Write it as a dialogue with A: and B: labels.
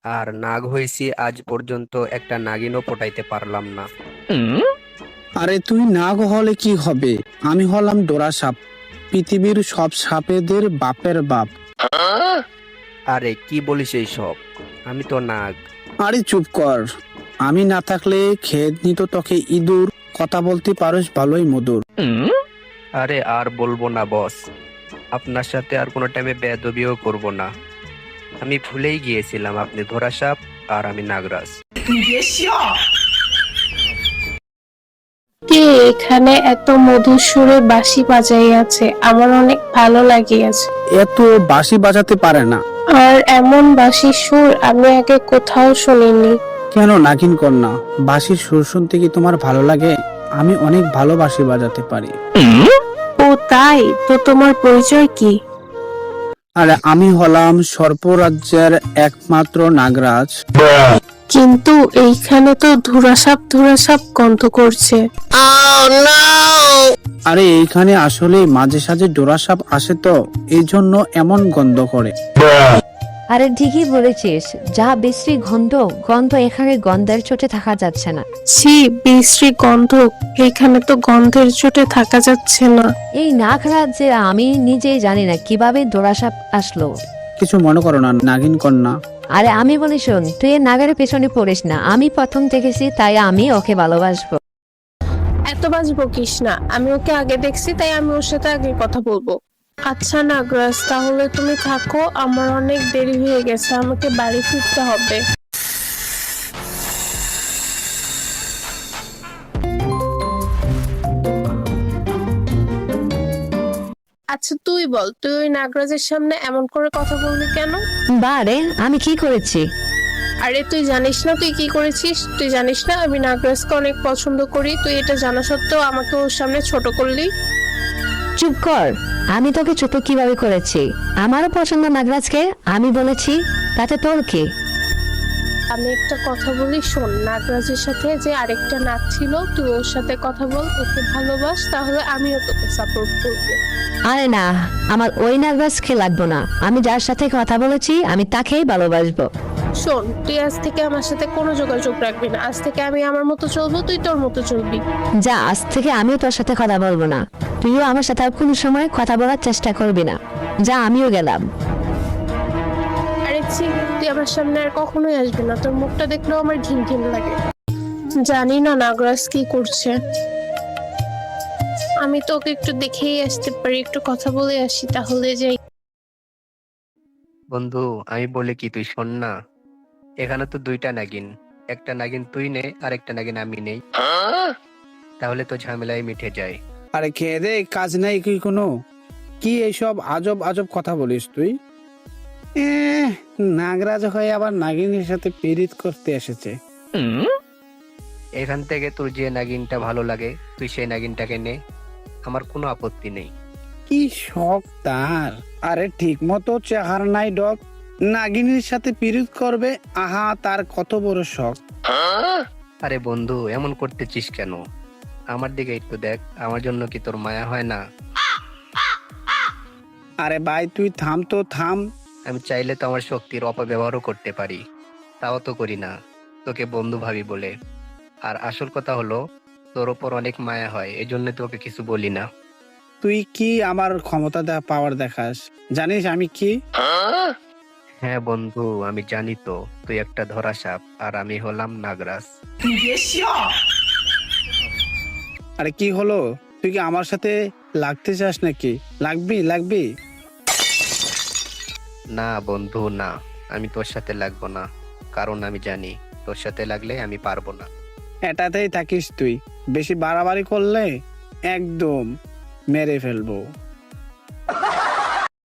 A: আর নাগ হয়েছি আজ পর্যন্ত একটা নাগিনও পটাইতে পারলাম না।
B: আরে তুই নাগ হলে কি হবে? আমি হলাম ডোরা সাপ, পৃথিবীর সব সাপেদের বাপের বাপ।
A: আরে কি বলিস এই সব? আমি তো নাগ।
B: আরে চুপ কর। আমি না থাকলে খেয়ে নিত তোকে ইঁদুর। কথা বলতে পারোস ভালোই মধুর।
A: আরে আর বলবো না বস, আপনার সাথে আর কোনো টাইমে বেয়াদবিও করব না। আমি ভুলেই গিয়েছিলাম আপনি ধরা সাপ আর আমি নাগরাজ।
C: কে এখানে এত মধুর সুরে বাঁশি বাজাইয়াছে? আমার অনেক ভালো লাগিয়াছে।
B: এত বাঁশি বাজাতে পারে না।
C: আর এমন বাঁশির সুর আমি আগে কোথাও শুনিনি।
B: কেন নাগিন কন্যা, বাঁশির সুর শুনতে কি তোমার ভালো লাগে? আমি অনেক ভালো বাঁশি বাজাতে পারি।
C: ও তাই? তো তোমার পরিচয় কি?
B: আরে আমি হলাম সর্পরাজ্যের একমাত্র নাগরাজ।
C: কিন্তু এইখানে তো ধুরাসাপ গন্ধ করছে।
B: আরে এইখানে আসলে মাঝে সাঝে ডোরা সাপ আসে, তো এই জন্য এমন গন্ধ করে।
D: আরে ঠিকই বলেছিস, যা বিশ্রী গন্ধ। এখানে গন্ধের চোটে থাকা যাচ্ছে না।
C: ছি, বিশ্রী গন্ধ। এইখানে তো গন্ধের চোটে থাকা যাচ্ছে না।
D: এই নাগরাজ্যে আমি নিজেই জানি না কিভাবে দোরাসাপ আসলো।
B: কিছু মনে করো না নাগিন কন্যা।
D: আরে আমি বলি শোন, তুই এই নাগের পেছনে পড়িস না। আমি প্রথম দেখেছি তাই আমি ওকে ভালোবাসবো।
C: এত বাজ বকিস না। আমি ওকে আগে দেখছি তাই আমি ওর সাথে আগে কথা বলবো। আচ্ছা নাগরাজ, তাহলে তুমি থাকো, আমার অনেক দেরি হয়ে গেছে, আমাকে বাড়ি ফিরতে হবে। আচ্ছা তুই বল, তুই ওই নাগরাজের সামনে এমন করে কথা বললি কেন?
D: বারে আমি কি করেছি?
C: আরে তুই জানিস না তুই কি করেছিস? তুই জানিস না আমি নাগরাজকে অনেক পছন্দ করি? তুই এটা জানা সত্ত্বেও আমাকে ওর সামনে ছোট করলি।
D: চুপ কর। আমি তোকে ছোট কিভাবে করেছি? আমারও পছন্দ নাগরাজকে, আমি বলেছি, তাতে তোর কি?
C: আমি একটা কথা বলি শোন, নাগরাজের সাথে যে আরেকটা নাচ ছিল, তুই ওর সাথে কথা বল, ওকে ভালোবাস, তাহলে আমিও তোকে সাপোর্ট করবো।
D: আরে না, আমার ওই নাগরাজকে লাগবো না। আমি যার সাথে কথা বলেছি আমি তাকেই ভালোবাসবো।
C: শোন, তুই আজ থেকে আমার সাথে কোনো যোগাযোগ রাখবি না। আজ থেকে আমি আমার মতো চলবো, তুই তোর মতো চলবি।
D: যা, আজ থেকে আমিও তোর সাথে কথা বলবো না। তুইও আমার সাথে আর কোনো সময় কথা বলার চেষ্টা করবি না। যা, আমিও গেলাম।
C: আরে ছি, তুই আমার সামনে আর কখনোই আসবি না। তোর মুখটা দেখলেও আমার ঘিন ঘিন লাগে। জানি না নাগরাজ কি করছে। আমি তো ওকে একটু দেখেই আসতে পারি, একটু কথা বলে আসি তাহলে। যাই।
A: বন্ধু, আমি বলে কি তুই শোন না। এখানে তো দুইটা নাগিন, একটা নাগিন তুই নে আর একটা নাগিন আমি নেই, তাহলে তো ঝামেলাই মিটে যায়।
B: আরে খেয়ে দে, কাজ নাই কি কোনো? কি এইসব আজব আজব কথা বলিস তুই? নাগরাজ হয়ে আবার নাগিনের সাথে পীড়িত করতে এসেছে।
A: এখান থেকে তোর যে নাগিনটা ভালো লাগে তুই সেই নাগিনটাকে নে, আমার কোনো আপত্তি নেই।
B: কি শখ তার! আরে ঠিক মতো চেহারা নাই ডক, নাগিনীর সাথে পীড়িত করবে? আহা, তার কত বড় শখ!
A: আরে বন্ধু, এমন করতেছিস কেন? আমার দিকে একটু দেখ, আমার জন্য কি তোর মায়া হয় না?
B: আরে ভাই তুই থাম তো থাম।
A: আমি চাইলে তো আমার শক্তির অপব্যবহারও করতে পারি, তাও তো করি না, তোকে বন্ধু ভাবি বলে। আর আসল কথা হলো, তোর ওপর অনেক মায়া হয়, এই জন্য তোকে কিছু বলি না।
B: তুই কি আমার ক্ষমতা পাওয়ার দেখাস? জানিস আমি কি?
A: হ্যাঁ বন্ধু, আমি জানি তো, তুই একটা ধরা সাপ আর আমি হলাম নাগরাজ।
B: আরে কি হলো? তুই কি আমার সাথে লাগতে চাস নাকি? লাগবি লাগবি?
A: না বন্ধু না, আমি তোর সাথে লাগবো না, কারণ আমি জানি তোর সাথে লাগলে আমি পারবো না।
B: এটাতেই থাকিস তুই, বেশি বাড়াবাড়ি করলে একদম মেরে ফেলবো।